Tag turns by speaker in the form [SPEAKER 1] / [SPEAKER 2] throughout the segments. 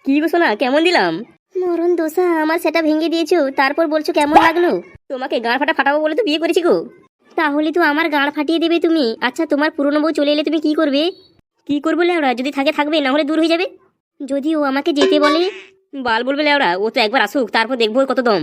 [SPEAKER 1] কি গো সোনা, কেমন দিলাম? মরণ দোষা, আমার সেটা ভেঙে দিয়েছো, তারপর বলছো কেমন লাগলো? তোমাকে গাঁড় ফাটাবো বলে তো বিয়ে করেছি গো। তাহলে তো আমার গাঁড় ফাটিয়ে দেবে তুমি। আচ্ছা, তোমার পুরনো বউ চলে এলে তুমি কি করবে? কি করবো লেওড়া, যদি থাকে থাকবে, না হলে দূর হয়ে যাবে। যদি ও আমাকে যেতে বলে? বাল বলবে লেওড়া, ও তো একবার আসুক, তারপর দেখবো ওর কত দম।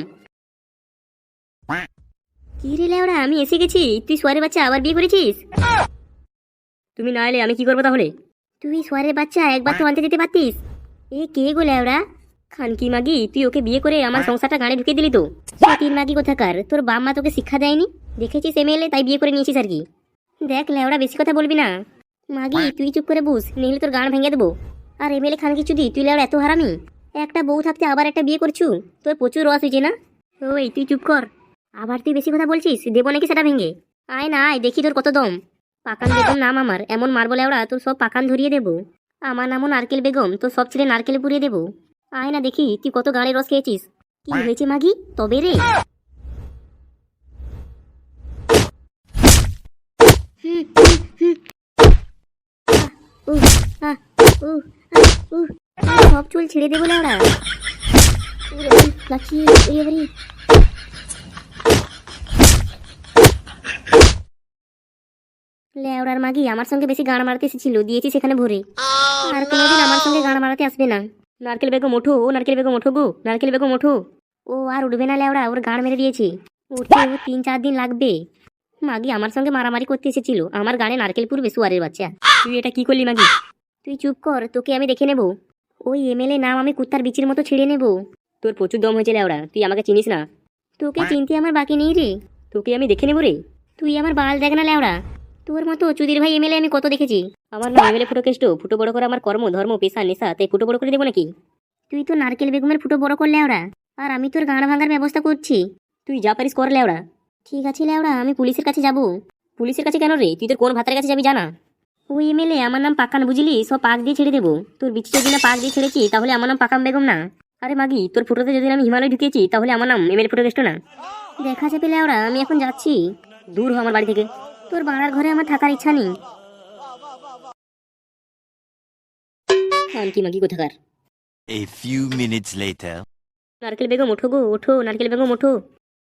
[SPEAKER 1] কি রে লেওড়া, আমি এসে গেছি, তুই সোয়ারের বাচ্চা আবার বিয়ে করেছিস? তুমি না এলে আমি কি করবো তাহলে? তুই সোয়ারের বাচ্চা, একবার তো আনতে যেতে পারতিস। এ কে গো লেওড়া? খানকি মাগি, তুই ওকে বিয়ে করে আমার সংসারটা গাড়ি ঢুকে দিলি তো। তিন মাগি কোথাকার, তোর বাপ মা তোকে শিক্ষা দেয়নি? দেখেছিস এমএলএ, তাই বিয়ে করে নিয়েছিস আর কি। দেখ লেওড়া, বেশি কথা বলবি না। মাগি তুই চুপ করে বুঝ, নিহলে তোর গান ভেঙে দেবো। আর এমএলএ খানকি চুদি, তুই লেওড়া এত হারামি। একটা বউ থাকতে আবার একটা বিয়ে করছু, তোর প্রচুর রস হয়েছে না? ওই তুই চুপ কর। আবার তুই বেশি কথা বলছিস, দেবো নাকি সেটা ভেঙে? আয় না আয়, দেখি তোর কত দম। পাকান বেগম নাম আমার, এমন মারবো লেওড়া তোর সব পাকান ধরিয়ে দেবো। আমার নামও নারকেল বেগম, তোর সব ছেলে নারকেলে পুড়িয়ে দেবো। আয় না দেখি তুই কত গাড়ির রস খেয়েছিস। কি হয়েছে মাগি, তবে রে? হুম, হুম, হুম। উহ, আহ, উহ, উহ, সব চুল ছেড়ে দেবো লেওড়া। লাকি, এবারে লেওড়ার মাগি আমার সঙ্গে বেশি গান মারাতে এসেছিল, দিয়েছি সেখানে ভরে। আর কোনোদিন আমার সঙ্গে গান মারাতে আসবে না। নারকেল বেগম ওঠো, ও নারকেল বেগম ওঠো গো, নারকেল বেগম ওঠো। ও আর উঠবে না লেওড়া, ওর গান মেরে দিয়েছি। উঠতে ও 3-4 দিন লাগবে। মাগি আমার সঙ্গে মারামারি করতে এসেছিল, আমার গানে নারকেল পুরবে সুয়ারের বাচ্চা। তুই এটা কি করলি মাগি? তুই চুপ কর, তোকে আমি দেখে নেব। ওই এমএলএ নাম আমি কুত্তার বিচির মতো ছিঁড়ে নেব। তোর প্রচুর দম হয়েছে লেওড়া, তুই আমাকে চিনিস না। তোকে চিনতে আমার বাকি নেই রে, তোকে আমি দেখে নেব রে। তুই আমার বাল দেখ না লেওড়া, তোর মতো চুদির ভাই এমএলএ আমি কত দেখেছি। আমার নাম এমএলএ ফুটো কেষ্ট, ফুটো বড় করে আমার কর্ম ধর্ম পেশা নেশা, তাই ফুটো বড় করে দেবো নাকি? তুই তো নারকেল বেগমের ফুটো বড় কর লেওড়া, আর আমি তোর গাঁড় ভাঙার ব্যবস্থা করছি। তুই যা পারিস কর লেওড়া। ঠিক আছে লেওড়া, আমি পুলিশের কাছে যাব। পুলিশের কাছে কেন রে, তুই তোর কোন ভাতারের কাছে যাবি জানা? ওই এমএলএ আমার নাম পাকান, বুঝলি, সব পাক দিয়ে ছেড়ে দেবো। তোর বিচি যদি না পাক দিয়ে ছেড়েছি, তাহলে আমার নাম পাকাম বেগম না। আরে মাগি, তোর ফুটোতে যদি আমি হিমালয় ঢুকিয়েছি, তাহলে আমার নাম এমএলএ ফুটো কেষ্ট না। দেখা যাবে লেওড়া, আমি এখন যাচ্ছি। দূর হ আমার বাড়ি থেকে, তোর বাড়ার ঘরে আমার থাকার ইচ্ছা নেই। খানকি মাগি কোথাকার।
[SPEAKER 2] A few minutes later.
[SPEAKER 1] নারকেল বেগম ওঠো গো, ওঠো নারকেল বেগম ওঠো।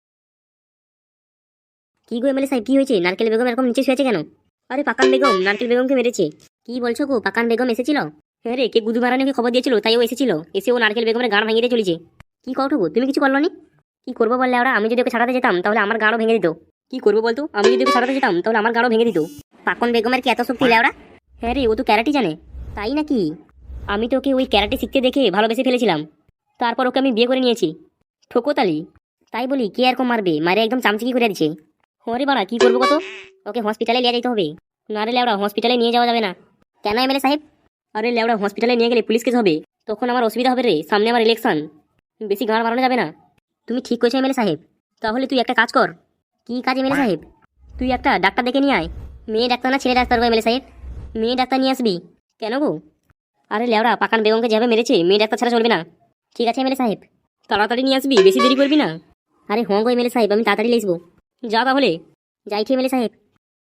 [SPEAKER 1] কি গো এমএলএ সাহেব, কি হয়েছে? নারকেল বেগম এরকম নিচে শুয়েছে কেন? আরে পাকান বেগম নারকেল বেগমকে মেরেছে। কি বলছো গো, পাকান বেগম এসেছিল? হ্যাঁ রে, কে গুদু মারানিকে খবর দিয়েছিল, তাই ও এসেছিল। এসে ও নারকেল বেগমের গান ভেঙে দিয়ে চলেছে। কি কও গো, তুমি কিছু করলো নি? কি করবো বললে ওরা, আমি যদি ওকে ছাড়াতে যেতাম তাহলে আমার গাড়ও ভেঙে দিত। কি করবো বলতো, আমি যদি ওকে ছাড়াতে যেতাম তাহলে আমার গাড়ও ভেঙে দিত। পাকন বেগমের কি এত শক্তি লেওড়া? হ্যাঁ রে, ও তো ক্যারাটি জানে। তাই নাকি? আমি তো ওকে ওই ক্যারাটি শিখতে দেখে ভালোবেসে ফেলেছিলাম, তারপর ওকে আমি বিয়ে করে নিয়েছি। ঠোকোতালি। তাই বলি, কে এরকম মারবে, মারে একদম চামচিকি করে দিচ্ছে। হরে বাড়া, কি করবো কত? ওকে হসপিটালে নিয়ে যেতে হবে। না রে লেওড়া, হসপিটালে নিয়ে যাওয়া যাবে না। কেন এমএলএ সাহেব? আরে লেওড়া, হসপিটালে নিয়ে গেলে পুলিশ কেস হবে, তখন আমার অসুবিধা হবে রে, সামনে আমার ইলেকশন। বেশি গাঁড় মারানো যাবে না। তুমি ঠিক করেছো এমএলএ সাহেব। তাহলে তুই একটা কাজ কর। কি কাজ এমএলএ সাহেব? তুই একটা ডাক্তার দেখে নিয়ে আয়। মেয়ে ডাক্তার না ছেলে ডাক্তার গো এমএলএ সাহেব? মেয়ে ডাক্তার নিয়ে আসবি। কেন গো? আরে লেওড়া, পাকান বেগমকে যেভাবে মেরেছে, মেয়ে ডাক্তার ছাড়া চলবে না। ঠিক আছে এমএলএ সাহেব, তাড়াতাড়ি নিয়ে আসবি, বেশি দেরি করবি না। আরে হ্যাঁ গো এমএলএ সাহেব, আমি তাড়াতাড়ি আসবো। যা তাহলে। যাই ঠিক এমএলএ সাহেব।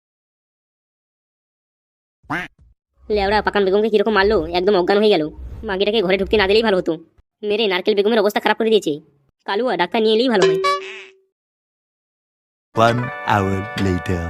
[SPEAKER 1] লেওড়া, পাকান বেগমকে কিরকম মারলো, একদম অজ্ঞান হয়ে গেল। মাগিটাকে ঘরে ঢুকতে না দিলেই ভালো হতো, মেরে নারকেল বেগমের অবস্থা খারাপ করে দিয়েছে। কালুয়া, ডাক্তার নিয়ে এলেই ভালো হয়।
[SPEAKER 2] 1 hour later.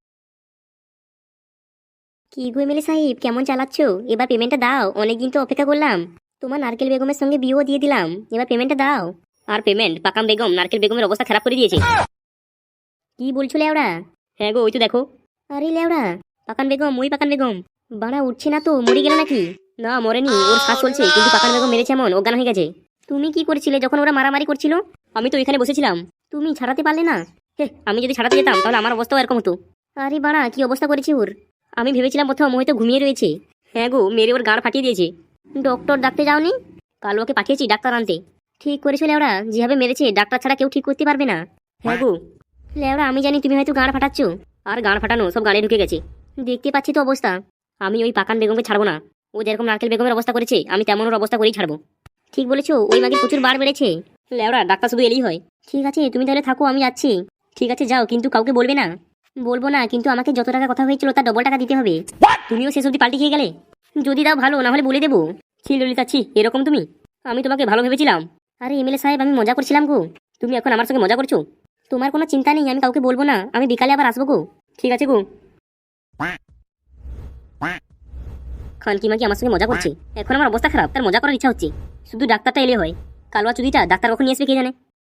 [SPEAKER 1] কি গো এমএলএ সাহেব, কেমন চালাচ্ছো? এবার পেমেন্টটা দাও, অনেকদিন তো অপেক্ষা করলাম। তোমার নারকেল বেগমের সঙ্গে বিয়েও দিয়ে দিলাম, এবার পেমেন্টটা দাও। আর পেমেন্ট? পাকাম বেগম নারকেল বেগমের অবস্থা খারাপ করে দিয়েছে। কি বলছো লেওড়া? হ্যাঁ গো, ওই তো দেখো। আরে লেওড়া, পাকান বেগম, ওই পাকান বেগম। বাড়া উঠছে না তো, মরে গেল নাকি? না মরেনি, ওর শ্বাস চলছে, কিন্তু পাকান বেগম মেরেছে এমন অজ্ঞান হয়ে গেছে। তুমি কি করেছিলে যখন ওরা মারামারি করছিল? আমি তো এখানে বসেছিলাম। তুমি ছাড়াতে পারলে না? হে, আমি যদি ছাড়াতে যেতাম তাহলে আমার অবস্থাও এরকম হতো। আরে বাড়া, কি অবস্থা করেছি ওর। আমি ভেবেছিলাম প্রথম হয়তো ঘুমিয়ে রয়েছে। হ্যাঁ গো, মেরে ওর গাড় ফাটিয়ে দিয়েছে। ডক্টর ডাকতে যাওনি? কাল ওকে পাঠিয়েছি ডাক্তার আনতে। ঠিক করেছো লেওড়া, যেভাবে মেরেছে ডাক্তার ছাড়া কেউ ঠিক করতে পারবে না। হ্যাঁ গো লেওড়া, আমি জানি তুমি হয়তো গাড় ফাটাচ্ছ। আর গাড় ফাটানো সব গাড়ি ঢুকে গেছে, দেখতে পাচ্ছি তো অবস্থা। আমি ওই পাকান বেগমকে ছাড়বো না। ও যেরকম নারকেল বেগমের অবস্থা করেছে, আমি তেমন ওর অবস্থা করেই ছাড়বো। ঠিক বলেছো, ওই মাগির প্রচুর বার বেড়েছে। লেওড়া, ডাক্তার শুধু এলেই হয়। ঠিক আছে, তুমি তাহলে থাকো, আমি যাচ্ছি। ঠিক আছে যাও, কিন্তু কাউকে বলবে না। বলবো না, কিন্তু আমাকে যত টাকা কথা হয়েছিল তার ডবল টাকা দিতে হবে। তুমিও শেষ অবধি পাল্টি খেয়ে গেলে। যদি দাও ভালো, না হলে বলে দেবো। ছি ললিতা, ছি, এরকম তুমি? আমি তোমাকে ভালো ভেবেছিলাম। আরে এমএলএ সাহেব, আমি মজা করছিলাম গো। তুমি এখন আমার সঙ্গে মজা করছো? তোমার কোনো চিন্তা নেই, আমি কাউকে বলবো না, আমি বিকালে আবার আসবো গো। ঠিক আছে গো। খানকি মাকি আমার সঙ্গে মজা করছে। এখন আমার অবস্থা খারাপ, তার মজা করার ইচ্ছা হচ্ছে। শুধু ডাক্তারটা এলে হয়। কালুয়া চুদিটা ডাক্তার কখন নিয়ে আসবে কে জানে।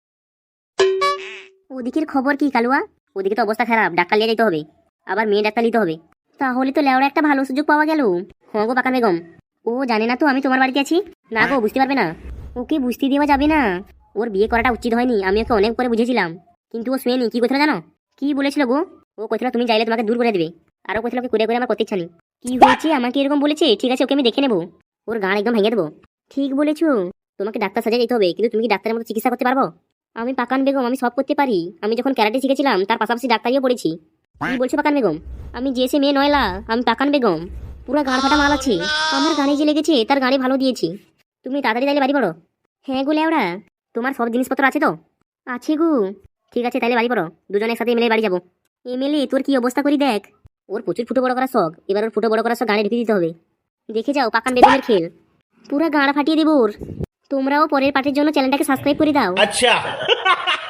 [SPEAKER 1] ওদিকের খবর কি কালুয়া? ওদিকে তো অবস্থা খারাপ, ডাক্তার নিয়ে যেতে হবে। আবার মেয়ে ডাক্তার নিতে হবে। তাহলে তো লেওড়া একটা ভালো সুযোগ পাওয়া গেল। হ্যাঁ গো পাকান বেগম। ও জানে না তো আমি তোমার বাড়িতে আছি? না গো, বুঝতে পারবে না। ওকে বুঝতে দেওয়া যাবে না। ওর বিয়ে করাটা উচিত হয়নি, আমি ওকে অনেক করে বুঝেছিলাম। কিন্তু ও শুনেনি। কি কথা জানো? কি বলেছিল গো? ও কোথাও তুমি চাইলে তোমাকে দূর করে দেবে। আরও কোথাও ওকে করে করে আমার করতে ইচ্ছা নেই। কি হয়েছে আমাকে এরকম বলেছে? ঠিক আছে, ওকে আমি দেখে নেবো। ওর গান একদম ভেঙে দেবো। ঠিক বলেছো। তোমাকে ডাক্তার সাজিয়ে যেতে হবে, কিন্তু তুমি কি ডাক্তারের মতো চিকিৎসা করতে পারবো? আমি পাকান বেগম, আমি সব করতে পারি। আমি যখন ক্যারাটে শিখেছিলাম তার পাশাপাশি ডাক্তারিও পড়েছি। কি বলছো পাকান বেগম? আমি যে সে মেয়ে নয়লা, আমি পাকান বেগম। পুরো গাঁড় ফাটা মাল আছে। আমার গানে যে লেগেছে তার গানে ভালো দিয়েছি। তুমি তাড়াতাড়ি তাইলে বাড়ি পড়ো। হ্যাঁ গো লেওড়া, তোমার সব জিনিসপত্র আছে তো? আছে গো। ঠিক আছে, তাইলে বাড়ি পড়ো। দুজনে একসাথে এমএলএ বাড়ি যাবো। এমএলএ তোর কি অবস্থা করি দেখ। ওর প্রচুর ফুটো বড় করার শখ, এবার ওর ফুটো বড় করার শখ গানে ঢুকিয়ে দিতে হবে। দেখে যাও পাকান বেগমের খেল। পুরো গাঁড় ফাটিয়ে দেবো ওর। তোমরাও পরের পার্টের জন্য চ্যানেলটাকে সাবস্ক্রাইব করে দাও।
[SPEAKER 3] अच्छा